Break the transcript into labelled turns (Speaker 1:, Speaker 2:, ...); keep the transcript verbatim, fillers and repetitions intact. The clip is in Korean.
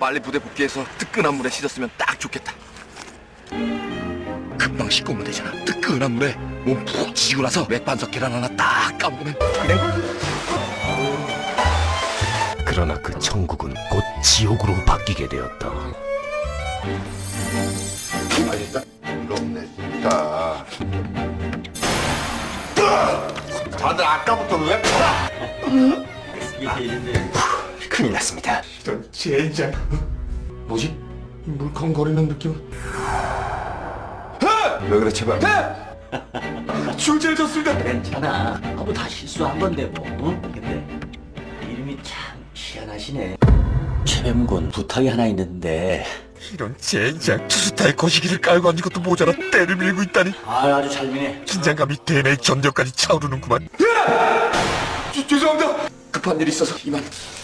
Speaker 1: 빨리 부대 복귀해서 뜨끈한 물에 씻었으면 딱 좋겠다. 금방 씻고 오면 되잖아. 뜨끈한 물에 몸 푹 지지고 나서 맥반석 계란 하나 딱 까먹으면 그래.
Speaker 2: 그러나 그 천국은 곧 지옥으로 바뀌게 되었다.
Speaker 3: 아 진짜 이렇네 진짜. 다들 아까부터 왜?
Speaker 2: 큰일 났습니다.
Speaker 3: 이런 젠장. 뭐지? 이 물컹거리는 느낌. 왜 그래 제발. 출제해졌습니다.
Speaker 4: 괜찮아. 아뭐 다 실수한 건데 뭐. 응? 근데 이름이 참 희한하시네. 최뱀군 부탁이 하나 있는데.
Speaker 1: 이런 젠장. 투수타의 거시기를 깔고 앉은 것도 모자라 때를 밀고 있다니.
Speaker 4: 아 아주 잘 미네.
Speaker 1: 긴장감이 대뇌 견뎌까지 차오르는구만.
Speaker 3: 죄- 죄송합니다.
Speaker 1: 급한 일이 있어서 이만.